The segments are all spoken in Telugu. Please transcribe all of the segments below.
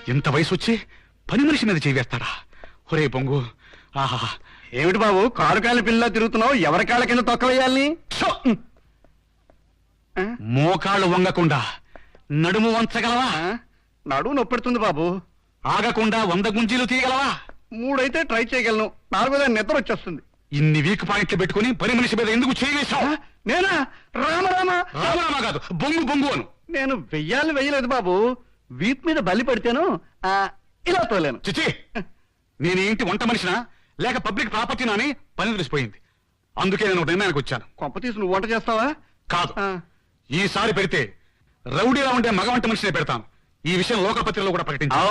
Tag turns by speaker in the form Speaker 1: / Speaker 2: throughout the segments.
Speaker 1: ఇంత వయసు వచ్చి పని మనిషి మీద చేవేస్తాడా? ఒరే పొంగు, ఆహా!
Speaker 2: ఏమిటి బాబు కాలు కాళ్ళ పిల్ల తిరుగుతున్నావు? ఎవరి కాళ్ళ కింద తొక్కవేయాలని?
Speaker 1: మోకాళ్ళు వంగకుండా నడుము వంచగలవా?
Speaker 2: నడుము నొప్పెడుతుంది బాబు.
Speaker 1: ఆగకుండా 100 గుంజీలు తీయగలవా?
Speaker 2: 3 అయితే ట్రై చేయగలను, 4వ నిద్ర వచ్చేస్తుంది.
Speaker 1: ఇన్ని వీక్ పాయింట్లు పెట్టుకుని పని మనిషి మీద ఎందుకు చేయవేశావు?
Speaker 2: నేనా? రామరామా
Speaker 1: రామరామా కాదు, బొంగు బొంగు అను.
Speaker 2: నేను వెయ్యలేదు బాబు. వీప్ మీద బలి పడితేను ఇలా తోలేను.
Speaker 1: చిచి, నేను ఇంటి వంట మనిషినా లేక పబ్లిక్ ప్రాపర్టీనా అని పని తెలిసిపోయింది. అందుకే నేను నిర్ణయానికి వచ్చాను.
Speaker 2: కొంప తీసి నువ్వు వంట చేస్తావా?
Speaker 1: కాదు, ఈసారి పెడితే రౌడీలా ఉండే మగ వంట మనిషినే పెడతాను. ఈ విషయం లోకపత్రికలో కూడా ప్రకటించాను.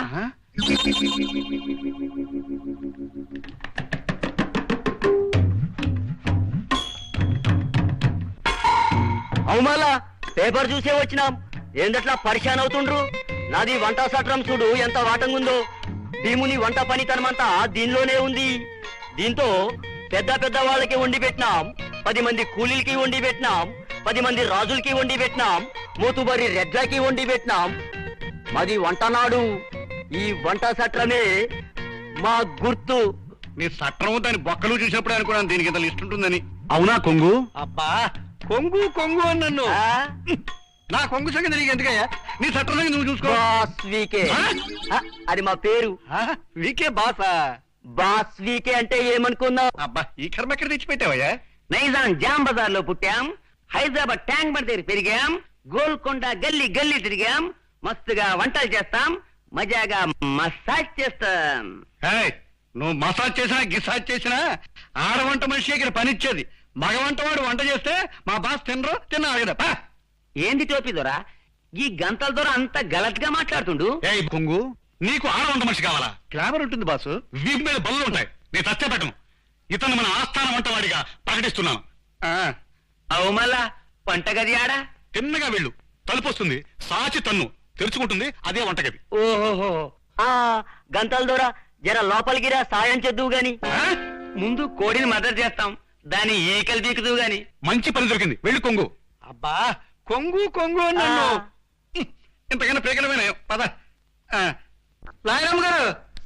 Speaker 3: అవుమల్లా పేపర్ చూసే వచ్చినాం. ఏందట్లా పరిశాన్ అవుతుండ్రు? నాది వంట సట్రం చూడు ఎంత వాటంగుందో. భీముని వంట పనితనమంతా దీనిలోనే ఉంది. దీంతో పెద్ద పెద్ద వాళ్ళకి వండి పెట్టినాం, 10 మంది కూలీలకి వండి పెట్టినాం, 10 మంది రాజులకి వండి పెట్టినాం, మూతుబరి రెడ్లకి వండి పెట్టినాం. మాది వంటనాడు. ఈ వంట సట్రమే మా గుర్తు.
Speaker 2: నీ సట్రము దాని బొక్కలు చూసినప్పుడే అనుకున్నాను దీనికి ఇంత లిస్ట్ ఉంటుందని.
Speaker 1: అవునా కొంగు?
Speaker 2: అబ్బా కొంగు కొంగు అని నన్ను. నా కొంగు సంగతి నీకు ఎందుకయ్యా? నీ సట్రం సంగతి నువ్వు చూసుకో.
Speaker 3: Boss VK. అది మా పేరు.
Speaker 2: వీకే బాసా?
Speaker 3: బాస్ వీకే అంటే ఏమనుకున్నావు?
Speaker 2: అబ్బా ఈ కర్మ ఎక్కడ తెచ్చిపెట్టావయ్యా?
Speaker 3: నైజాం జామ్ బజార్ లో పుట్టాం, హైదరాబాద్ ట్యాంక్ బండ్ దగ్గర పెరిగాం, గోల్కొండ గల్లీ గల్లీ తిరిగాం, మస్తుగా వంటలు చేస్తాం, మజాగా మసాజ్ చేస్తాం.
Speaker 2: నువ్వు మసాజ్ చేసినా గిసాజ్ చేసినా ఆడవంట మనిషి ఇక్కడ పనిచ్చేది. మగ వంటవాడు వంట చేస్తే మా బాస్ తిన్నా కదా.
Speaker 3: ఏంది టోపీ దొరా ఈ గంటల దొర అంత గలత్ గా మాట్లాడుతుండు?
Speaker 1: ఏ కొంగు, నీకు ఆడ వంట మనిషి కావాలా?
Speaker 2: గ్లామర్ ఉంటుంది బాసు.
Speaker 1: వీపు మీద బల్లు ఉంటాయి, నేను చచ్చపెట్టను. ఇతను మన ఆస్థాన వంటవాడిగా ప్రకటిస్తున్నాను.
Speaker 3: అవు మళ్ళా వంటగది ఆడా?
Speaker 1: తిన్నగా వెళ్ళు, తలుపు వస్తుంది, సాచి తన్ను తెరుచుకుంటుంది, అదే వంటగది.
Speaker 3: ఓహోహో, గంటల దొర జర లోపలికిరా, సాయం చేద్దువు గాని. ముందు కోడిని మదర్ చేస్తాం, దాని ఈకలు బీకుదువు గాని.
Speaker 1: మంచి పని దొరికింది, వెళ్ళు కొంగు.
Speaker 2: అబ్బా కొంగు కొంగు నన్ను ఇంతకన్నా పీకలమైన పద. లాయరమ్మ గారు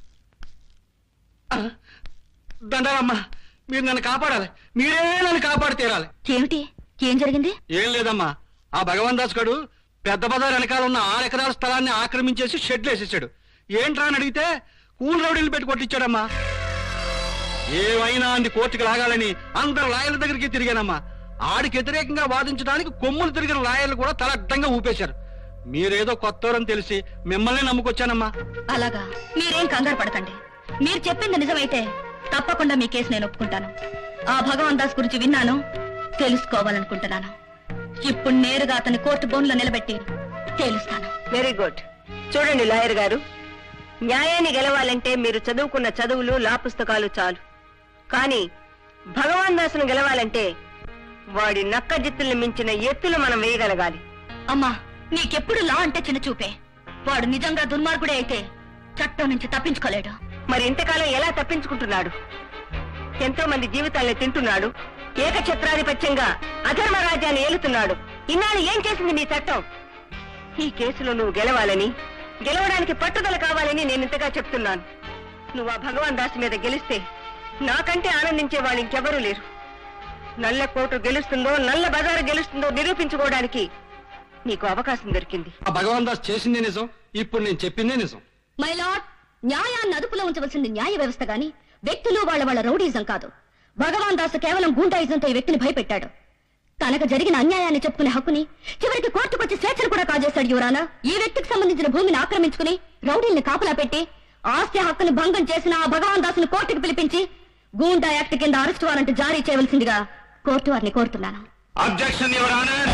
Speaker 2: దండాలమ్మా, మీరు నన్ను కాపాడాలి. మీరే నన్ను కాపాడి తీరాలి.
Speaker 4: ఏమిటి? ఏం జరిగింది?
Speaker 2: ఏం లేదమ్మా, ఆ భగవాన్ దాస్ గడు పెద్ద బజార్ వెనకాల ఉన్న 6 ఎకరాల స్థలాన్ని ఆక్రమించేసి షెడ్లు వేసేసాడు. ఏంట్రా అని అడిగితే కూల్ రౌడీలు పెట్టి కొట్టించాడమ్మా. ఏమైనా అంది కోర్టుకు లాగాలని అందరు లాయర్ల దగ్గరికి తిరిగానమ్మా. ఆడికి వ్యతిరేకంగా వాదించడానికి కొమ్ములు తిరిగిన లాయర్లు కూడా తల అడ్డంగా ఊపేశారు. మీరేదో కొత్తవరని తెలిసి మిమ్మల్ని నమ్ముకొచ్చానమ్మా.
Speaker 4: అలాగా? మీరేం కంగారు పడకండి. మీరు చెప్పింది నిజమైతే తప్పకుండా మీ కేసు నేను ఒప్పుకుంటాను. ఆ భగవాన్ దాస్ గురించి విన్నాను, తెలుసుకోవాలనుకుంటున్నాను. ఇప్పుడు నేరుగా అతని కోర్టు బోన్లో నిలబెట్టి తేలుస్తాను.
Speaker 5: Very good. చూడండి లాయర్ గారు, న్యాయాన్ని గెలవాలంటే మీరు చదువుకున్న చదువులు లా పుస్తకాలు చాలు. కానీ భగవాన్ దాసును గెలవాలంటే వాడి నక్క జిత్తుల్ని మించిన ఎత్తులు మనం వేయగలగాలి.
Speaker 4: అమ్మా, నీకెప్పుడు లా అంటే చిన్న చూపే. వాడు నిజంగా దుర్మార్గుడే అయితే చట్టం నుంచి తప్పించుకోలేడు.
Speaker 5: మరి ఇంతకాలం ఎలా తప్పించుకుంటున్నాడు? ఎంతో మంది జీవితాల్ని తింటున్నాడు, ఏకఛత్రాధిపత్యంగా అధర్మ రాజ్యాన్ని ఏలుతున్నాడు. ఇన్నాళ్ళు ఏం చేసింది నీ చట్టం? ఈ కేసులో నువ్వు గెలవాలని, గెలవడానికి పట్టుదల కావాలని నేను ఇంతగా చెప్తున్నాను. నువ్వు ఆ భగవాన్ దాస్ మీద గెలిస్తే నాకంటే ఆనందించే వాళ్ళు ఇంకెవరూ లేరు. నల్ల కోటు గెలుస్తుందో నల్ల బజారు గెలుస్తుందో నిరూపించుకోవడానికి నీకు అవకాశం దొరికింది.
Speaker 2: ఆ భగవాన్ దాస్ చేసిందే నిజం, ఇప్పుడు నేను చెప్పిందే నిజం.
Speaker 4: మై లార్డ్, న్యాయాన్ని అదుపులో ఉంచవలసింది న్యాయ వ్యవస్థ గాని వ్యక్తులు వాళ్ళ రౌడీజం కాదు. భగవాన్ దాస్ కేవలం గూండాయిజంతో ఈ వ్యక్తిని భయపెట్టాడు. తనకు జరిగిన అన్యాయాన్ని చెప్పుకునే హక్కుని చివరికి కోర్టుకొచ్చి స్వేచ్ఛను కూడా కాజేశాడు. యువరానా, ఈ వ్యక్తికి సంబంధించిన భూమిని ఆక్రమించుకుని రౌడీల్ని కాపలా పెట్టి ఆస్తి హక్కును భంగం చేసిన ఆ భగవాన్ దాసును కోర్టుకు పిలిపించి గూండా యాక్ట్ కింద అరెస్ట్ వారెంట్ జారీ చేయవలసిందిగా కోర్టు వారిని కోరుతున్నాను.
Speaker 1: Objection your honour.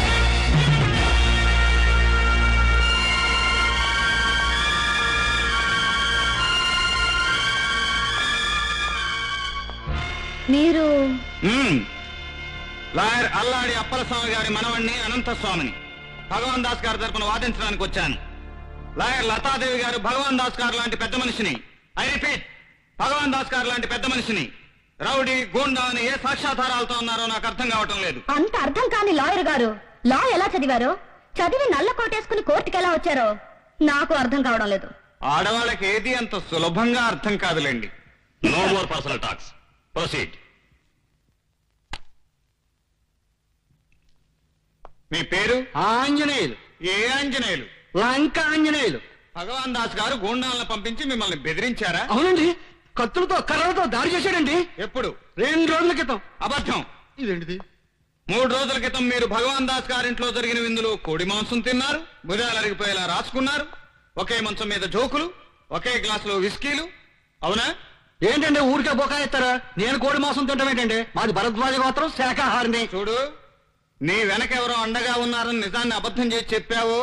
Speaker 4: మీరు
Speaker 1: లాయర్ అల్లాడి అప్పలస్వామి గారి మనవణ్ణి అనంతస్వామిని భగవాన్ దాస్ గారి తరపున వాదించడానికి వచ్చాను. లాయర్ లతాదేవి గారు భగవాన్ దాస్ గారు లాంటి పెద్ద మనిషిని, ఐ రిపీట్, భగవాన్ దాస్ గారు లాంటి పెద్ద మనిషిని రౌడీ గూండా అని ఏ సాక్ష్యాధారాలతో ఉన్నారో నాకు అర్థం కావటం లేదు.
Speaker 4: అంత అర్థం కాని లాయర్ గారు లా ఎలా చదివారో, చదివి నల్ల కోటేసుకుని కోర్టుకి ఎలా వచ్చారో నాకు అర్థం కావడం లేదు.
Speaker 1: ఆడవాళ్ళకి ఏది అంత సులభంగా అర్థం కాదులేండి.
Speaker 6: No more personal talks. Proceed.
Speaker 1: మీ పేరు?
Speaker 2: ఆంజనేయులు.
Speaker 1: ఏ ఆంజనేయులు?
Speaker 2: లంక ఆంజనేయులు.
Speaker 1: భగవాన్ దాస్ గారు గూండాలను పంపించి మిమ్మల్ని బెదిరించారా?
Speaker 2: అవునండి, కత్తులతో కర్రలతో దాడి చేశాడండి.
Speaker 1: ఎప్పుడు?
Speaker 2: 2 రోజుల క్రితం.
Speaker 1: అబద్ధం.
Speaker 2: ఇదేంటిది?
Speaker 1: 3 రోజుల క్రితం మీరు భగవాన్ దాస్ గారింట్లో జరిగిన విందులో కోడి మాంసం తిన్నారు, భుజాలు అరిగిపోయేలా రాసుకున్నారు, ఒకే మంచం మీద జోకులు, ఒకే గ్లాసులో విస్కీలు, అవునా?
Speaker 2: ఏంటంటే ఊరికే బొకాయిస్తారా? నేను కోడి మాంసం తింటాం ఏంటండి? మాది భరద్వాజ గోత్రం, శాఖాహారిని.
Speaker 1: చూడు, నీ వెనకెవరో అండగా ఉన్నారని నిజాన్ని అబద్ధం చేసి చెప్పావో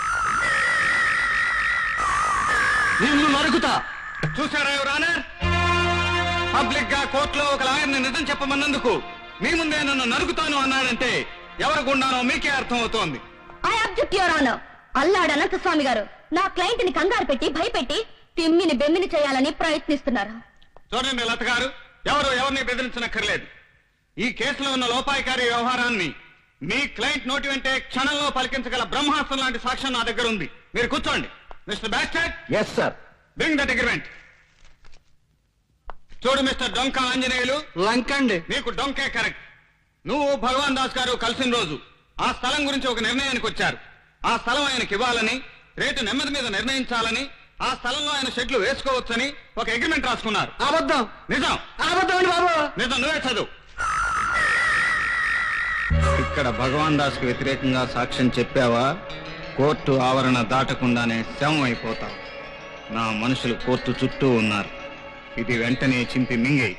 Speaker 2: నిన్ను నరుకుతా.
Speaker 1: చూసారా యువరానర్? పబ్లిక్ గా కోర్టులో ఒక లాయర్ని నిజం చెప్పమన్నందుకు మీ ముందే నన్ను నరుకుతాను అన్నాడంటే ఎవరు గుండానో మీకే అర్థం అవుతోంది.
Speaker 4: I object your honour. Alladu Ananthaswamy గారు నా క్లయింట్ ని కంగారు పెట్టి భయపెట్టి తిమ్మిని బెమ్మిని చేయాలని ప్రయత్నిస్తున్నారు.
Speaker 1: చూడండి లత గారు, ఎవరిని బెదిరించనక్కర్లేదు. ఈ కేసులో ఉన్న లోపాయికారి వ్యవహారాన్ని మీ క్లయింట్ నోటి వెంటే క్షణంలో పలికించగల బ్రహ్మాస్త్రం లాంటి సాక్ష్యం నా దగ్గర ఉంది. మీరు కూర్చోండి. మిస్టర్ బ్యాస్టర్,
Speaker 2: yes sir.
Speaker 1: Bring that agreement. చూడు మిస్టర్ డొంక ఆంజనేయులు,
Speaker 2: లంక అండి.
Speaker 1: నీకు డొంకే కరెక్ట్. నువ్వు భగవాన్ దాస్ గారు కలిసిన రోజు ఆ స్థలం గురించి ఒక నిర్ణయానికి వచ్చారు. ఆ స్థలం ఆయనకి ఇవ్వాలని, రేటు నెమ్మది మీద నిర్ణయించాలని, ఆ స్థలంలో ఆయన షెడ్లు వేసుకోవచ్చని ఒక అగ్రిమెంట్ రాసుకున్నారు.
Speaker 2: అబద్ధం.
Speaker 1: నిజం.
Speaker 2: అబద్ధం అండి బాబు.
Speaker 1: నిజం. నువ్వే చదువు. ఇక్కడ భగవాన్ దాస్ కు వ్యతిరేకంగా సాక్ష్యం చెప్పావా, కోర్టు ఆవరణ దాటకుండానే శవం అయిపోతావు. నా మనుషులు కోర్టు చుట్టూ ఉన్నారు. ఇది వెంటనే చింపి మింగేయి.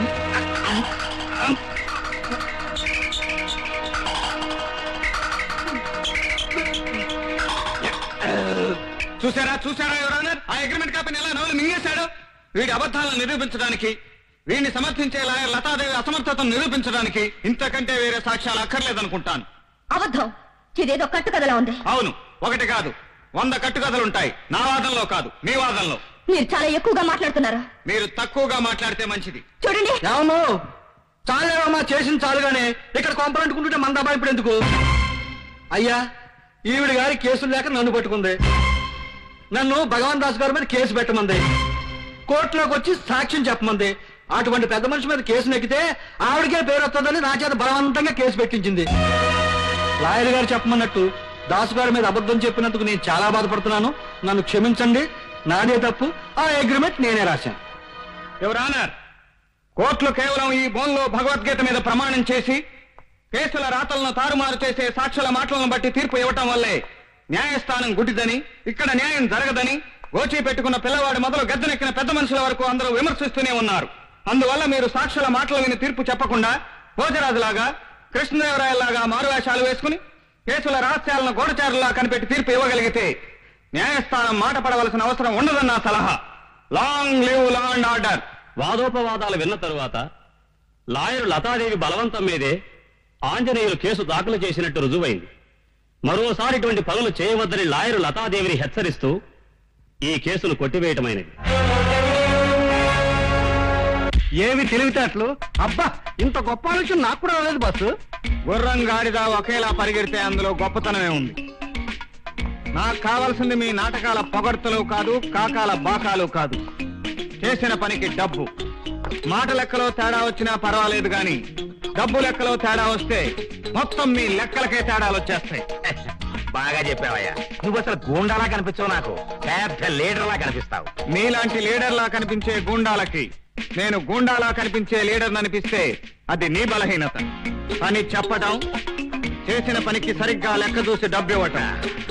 Speaker 1: చూసారా యువరానర్? ఆ అగ్రిమెంట్ కాపీని ఎలా నవలు మింగేశాడు. వీడి అబద్ధాలను నిరూపించడానికి, వీడిని సమర్థించే లాయర్ లతాదేవి అసమర్థతను నిరూపించడానికి ఇంతకంటే వేరే సాక్ష్యాలు అక్కర్లేదనుకుంటాను.
Speaker 4: అబద్ధం. ఇదేదో కట్టుకథలా ఉంది.
Speaker 1: అవును, ఒకటి కాదు 100 కట్టుకథలుంటాయి. నా వాదనలో కాదు, మీ వాదనలో.
Speaker 4: మీరు చాలా ఎక్కువగా మాట్లాడుతున్నారు.
Speaker 1: మీరు తక్కువగా మాట్లాడితే మంచిది.
Speaker 4: చూడండి.
Speaker 2: అవును, చాలేవమ్మా, చేసింది చాలుగానే. ఇక్కడ కొంపలంటుకుంటుంటే మన దబా ఇప్పుడు ఎందుకు? అయ్యా, ఈవిడ గారి కేసులు లేక నన్ను పట్టుకుంది. నన్ను భగవాన్ దాస్ గారి మీద కేసు పెట్టమంది. కోర్టులోకి వచ్చి సాక్ష్యం చెప్పమంది. అటువంటి పెద్ద మనిషి మీద కేసు నెక్కితే ఆవిడకే పేరు వస్తుందని నా చేత బలవంతంగా కేసు పెట్టించింది. లాయర్ గారు చెప్పమన్నట్టు దాసు గారి మీద అబద్ధం చెప్పినందుకు నేను చాలా బాధపడుతున్నాను. నన్ను క్షమించండి, నాదే తప్పు. ఆ అగ్రిమెంట్ నేనే రాశాను.
Speaker 1: యువరానర్, కోర్టులు కేవలం ఈ బోన్లో భగవద్గీత మీద ప్రమాణం చేసి కేసుల రాతలను తారుమారు చేసే సాక్షుల మాటలను బట్టి తీర్పు ఇవ్వటం వల్లే న్యాయస్థానం గుడ్డిదని, ఇక్కడ న్యాయం జరగదని గోచి పెట్టుకున్న పిల్లవాడి మొదలు గద్దెనెక్కిన పెద్ద మనుషుల వరకు అందరూ విమర్శిస్తూనే ఉన్నారు. అందువల్ల మీరు సాక్షుల మాటలు విని తీర్పు చెప్పకుండా భోజరాజులాగా, కృష్ణదేవరాయలాగా మారువేషాలు వేసుకుని కేసుల రహస్యాలను గోడచారులా కనిపెట్టి తీర్పు ఇవ్వగలిగితే న్యాయస్థానం మాట పడవలసిన అవసరం ఉండదన్న సలహా. Long live law and order.
Speaker 6: వాదోపవాదాలు విన్న తరువాత లాయరు లతాదేవి బలవంతం మీదే ఆంజనేయులు కేసు దాఖలు చేసినట్టు రుజువైంది. మరోసారి ఇటువంటి పనులు చేయవద్దని లాయరు లతాదేవిని హెచ్చరిస్తూ ఈ కేసును కొట్టివేయటమైనది.
Speaker 2: ఏమి తెలివితేటలు! అబ్బా, ఇంత గొప్ప ఆలోచన నాకు కూడా రాలేదు బాసు.
Speaker 1: గుర్రం గాడిద ఒకేలా పరిగెడితే అందులో గొప్పతనమే ఉంది. నాకు కావాల్సింది మీ నాటకాల పొగడ్తలు కాదు, కాకాల బాకాలు కాదు. చేసిన పనికి డబ్బు. మాట లెక్కలో తేడా వచ్చినా పర్వాలేదు గాని డబ్బు లెక్కలో తేడా వస్తే మొత్తం మీ లెక్కలకే తేడాలు వచ్చేస్తాయి.
Speaker 3: బాగా చెప్పావయ్యా. నువ్వు అసలు గూండాలా కనిపించవు, నాకు పెద్ద లీడర్లా కనిపిస్తావు.
Speaker 1: మీలాంటి లీడర్లా కనిపించే గూండాలకి నేను గూండాలా కనిపించే లీడర్ అనిపిస్తే అది నీ బలహీనత అని చెప్పటం, చేసిన పనికి సరిగ్గా లెక్క చూసి డబ్బు ఇవ్వటం.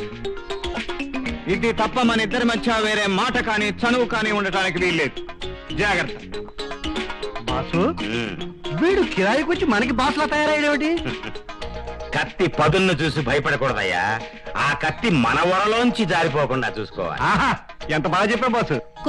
Speaker 1: ఇది తప్ప మన ఇద్దరి మధ్య వేరే మాట కానీ చనువు కానీ ఉండటానికి వీల్లేదు. జాగ్రత్త.
Speaker 2: బాసు, వీడు కిరాయికి వచ్చి మనకి బాసులా తయారయ్యేటి?
Speaker 3: కత్తి పదులను చూసి భయపడకూడదయ్యా. ఆ కత్తి మన వరలోంచి జారిపోకుండా చూసుకోవాలి.
Speaker 2: ఆహా, ఎంత బాగా చెప్పావు బాసు.